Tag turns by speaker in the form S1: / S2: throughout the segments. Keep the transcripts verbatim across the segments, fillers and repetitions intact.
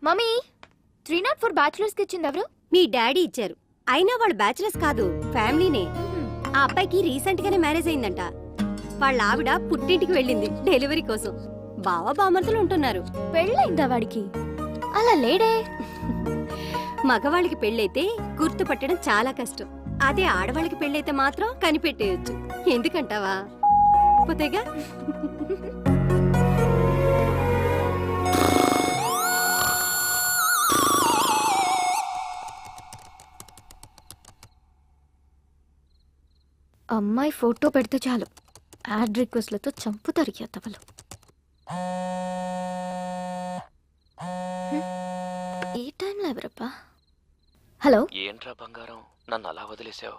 S1: Mummy three not four bachelors కి ఇచ్చింది ఎవరు?
S2: మీ డాడీ ఇచ్చారు. అయినా వాళ్ళు బ్యాచులర్స్ కాదు, ఫ్యామిలీనే. ఆ అబ్బాయికి రీసెంట్ గానే మ్యారేజ్ అయిందంట. వాళ్ళ ఆవిడ పుట్టింటికి వెళ్ళింది డెలివరీ కోసం. బావ బామర్తులు ఉంటున్నారు.
S1: పెళ్ళైందా వాడికి? అలా లేడే.
S2: మగవాళ్ళకి పెళ్ళైతే గుర్తుపట్టడం చాలా కష్టం. అదే ఆడవాళ్ళకి పెళ్ళైతే మాత్రం కనిపెట్టేయచ్చు. ఎందుకంటావా? పోతేగా.
S1: అమ్మాయి ఫోటో పెడితే చాలు యాడ్ రిక్వెస్ట్లతో చంపుతారు ఎత్తవలు. ఈ టైంలో ఎవరప్పా? హలో,
S3: ఏంట్రా బంగారం, నన్ను అలా వదిలేసావు?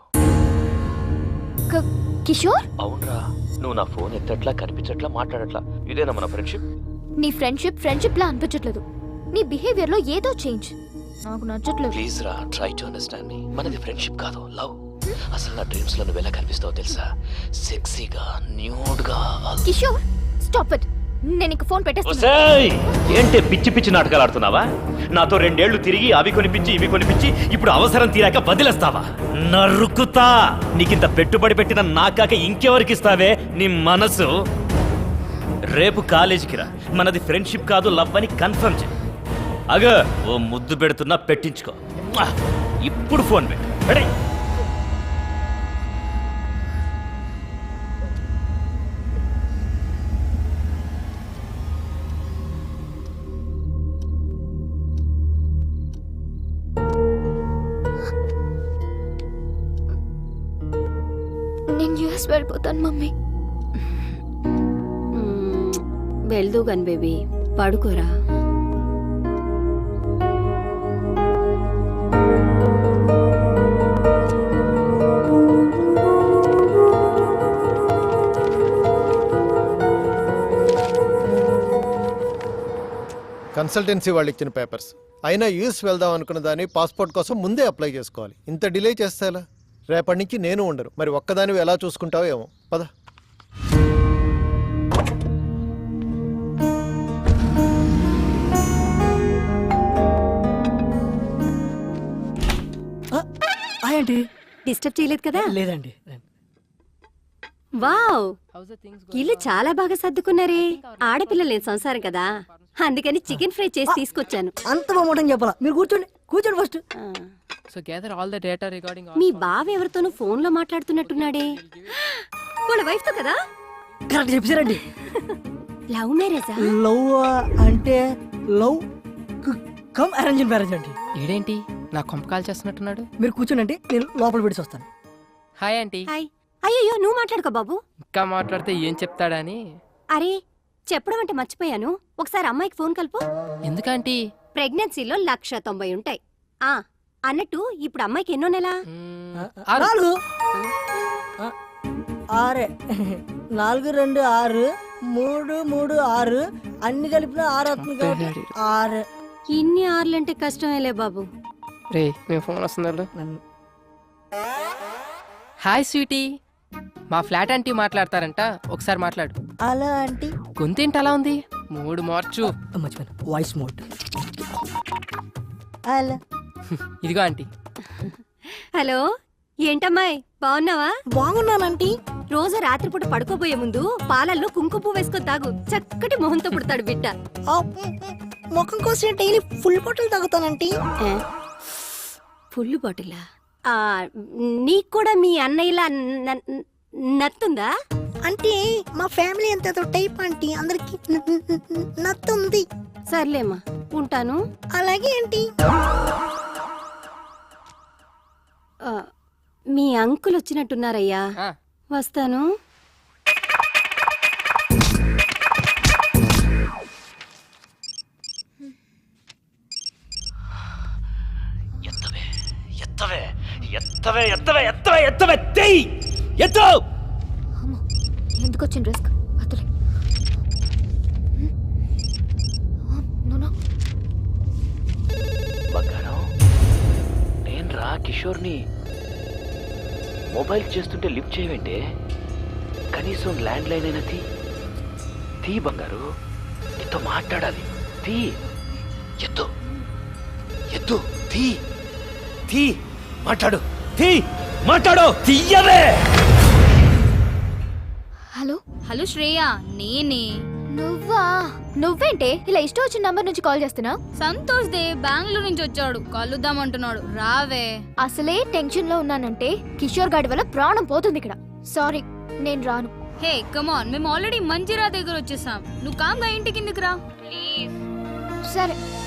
S1: కిషోర్,
S3: అవునరా, నువ్వు నా ఫోన్ ఎత్తట్లా, కనిపించట్లా, మాట్లాడట్లా. ఇదేనా మన ఫ్రెండ్షిప్?
S1: నీ ఫ్రెండ్షిప్ ఫ్రెండ్షిప్ లా అనిపించట్లేదు. నీ బిహేవియర్ లో ఏదో చేంజ్ నాకు నచ్చట్లేదు.
S3: ప్లీజ్ రా, ట్రై టు అండర్స్టాండ్ మీ. మనది ఫ్రెండ్షిప్ కాదు, లవ్. అసలు నా డ్రీమ్స్ లో నువ్వు ఎలా కనిపిస్తావో తెలుసా? సెక్సీగా, న్యూడ్ గా.
S1: Kishore, stop it. నేను ఇంక ఫోన్ పెట్టేస్తా.
S3: ఏంటి పిచ్చి పిచ్చి నాటకాలు ఆడుతున్నావా? నాతో రెండేళ్లు తిరిగి అవి కొనిపించి ఇవి కొనిపించి ఇప్పుడు అవసరం తీరాక వదిలేస్తావా? నరుకుతా. నీకింత పెట్టుబడి పెట్టిన నాకాక ఇంకెవరికి ఇస్తావే నీ మనసు? రేపు కాలేజీకి రా, మనది ఫ్రెండ్షిప్ కాదు లవ్ అని కన్ఫర్మ్ చేయి. అగ ఓ ముద్దు పెడుతున్నా, పెట్టించుకో. ఇప్పుడు ఫోన్ పెట్టు. రెడీ?
S1: నేను యూఎస్ వెళ్ళిపోతాను మమ్మీ.
S2: వెళ్దూ గన్ బేబీ, పడుకోరా.
S4: కన్సల్టెన్సీ వాళ్ళు ఇచ్చిన పేపర్స్ అయినా యూఎస్ వెళ్దాం అనుకున్న దాన్ని పాస్పోర్ట్ కోసం ముందే అప్లై చేసుకోవాలి. ఇంత డిలే చేస్తే ఎలా? రేపటి నుంచి నేను ఉండను. మరి ఒక్కదానివి ఎలా చూసుకుంటావో ఏమో. పద.
S5: ఏంటి?
S2: డిస్టర్బ్ చేయలేదు కదా?
S5: లేదండి.
S2: వావ్, ఇల్లు చాలా బాగా సర్దుకున్నారే. ఆడపిల్ల లేని సంసారం కదా, అందుకని చికెన్ ఫ్రై చేసి తీసుకొచ్చాను.
S5: అంత బాగుంటుంది చెప్పాలా? మీరు కూర్చోండి, కూర్చోండి first.
S6: So gather all the data regarding all.
S2: మీ బావ ఎవరితోనూ ఫోన్ లో మాట్లాడుతున్నట్టున్నాడే. వాళ్ళ వైఫ్ తో కదా?
S5: కరెక్ట్ చెప్పారండి.
S2: లవ్ మ్యారేజా?
S5: లవ్ అంటే లవ్ కమ్ అరేంజ్ మ్యారేజ్ అండి.
S6: ఈడేంటి నా కొంప కాల్ చేస్తున్నట్టున్నాడు?
S5: మీరు కూర్చోండి, నేను లోపల పెట్టి వస్తాను.
S6: Hi aunty.
S2: హాయ్. అయ్యో నువ్వు మాట్లాడుకో బాబు.
S6: ఇంకా మాట్లాడితే ఏం చెప్తాడని.
S2: అరే చెప్పడం అంటే మర్చిపోయాను. ఒకసారి అమ్మాయికి ఫోన్ కలుపు.
S6: ఎందుకంటీ?
S2: ప్రెగ్నెన్సీలో లక్ష తొంభై ఉంటాయి. ఆ అన్నట్టు ఇప్పుడు అమ్మాయికి ఎన్నో నెల?
S5: నాలుగు. ఆరే. నాలుగు రెండు ఆరు, మూడు మూడు ఆరు, అన్ని కలిపిన ఆరు అవుతుంది. ఆరు.
S2: ఇన్ని ఆరులంటే కష్టమేలే బాబు.
S6: రే మీ ఫోన్ వస్తుందా? హాయ్ స్వీటీ, మా ఫ్లాట్ ఆంటీ మాట్లాడతారంట, ఒకసారి మాట్లాడు.
S5: అలా ఆంటీ
S6: గొంతేంటి అలా ఉంది? మూడు మార్చు.
S5: మర్చిపోయాను, వాయిస్ మోడ్. అలా.
S6: ఇదిగో ఆంటీ.
S2: హలో, ఏంటమ్మాయి బాగున్నావా?
S5: బాగున్నానంటీ.
S2: రోజు రాత్రిపూట పడుకోబోయే ముందు పాలల్లో కుంకుమ పువ్వు వేసుకొని తాగు. చక్కటి మొహంతో పుడతాడు బిడ్డ.
S5: ముఖం కోసం డైలీ ఫుల్ బాటిల్ తాగుతానంటీ.
S2: ఫుల్ బాటిలా? నీకు కూడా మీ అన్నయ్యలా నత్తుందా?
S5: అంటే మా ఫ్యామిలీ అంత టైప్ ఆంటీ, అందరికి నత్తుంది.
S2: సర్లేమ్మా, ఉంటాను.
S5: అలాగే ఆంటీ.
S2: మీ అంకుల్ వచ్చినట్టున్నారయ్యా, వస్తాను.
S3: ఎత్తవే ఎత్తవే ఎత్తవే ఎత్తవే ఎత్తవే ఎత్తవే తెయ్ ఎత్తు.
S1: ఎందుకు వచ్చిన రిస్క్? అతలే
S3: బంగారం, నేను రా కిషోర్ని. మొబైల్ చేస్తుంటే లిఫ్ట్ చేయవేంటే? కనీసం ల్యాండ్ లైన్ అయినా తీ తీ బంగారు, నీతో మాట్లాడాలి. తీ ఎత్తు. ఎత్తు తీ తీ మాట్లాడు తీ మాట్లాడు తీయవే.
S1: హలో
S7: హలో శ్రేయ, నేనే.
S1: నువ్వా? నువ్వేంటే ఇలా ఇష్టం వచ్చిన నంబర్ నుంచి కాల్ చేస్తున్నావు?
S7: సంతోష్ దే బెంగళూరు నుంచి వచ్చాడు, కలుద్దామంటున్నాడు. రావే.
S1: అసలే టెన్షన్ లో ఉన్నానంటే కిషోర్ గాడి వల్ల ప్రాణం పోతుంది ఇక్కడ. సారీ, నేను రాను.
S7: హే కమాన్, మేము ఆల్రెడీ మంజిరా దగ్గర వచ్చేసాం. నువ్వు కామ్గా ఇంటి కిందకి రా ప్లీజ్.
S1: సరే.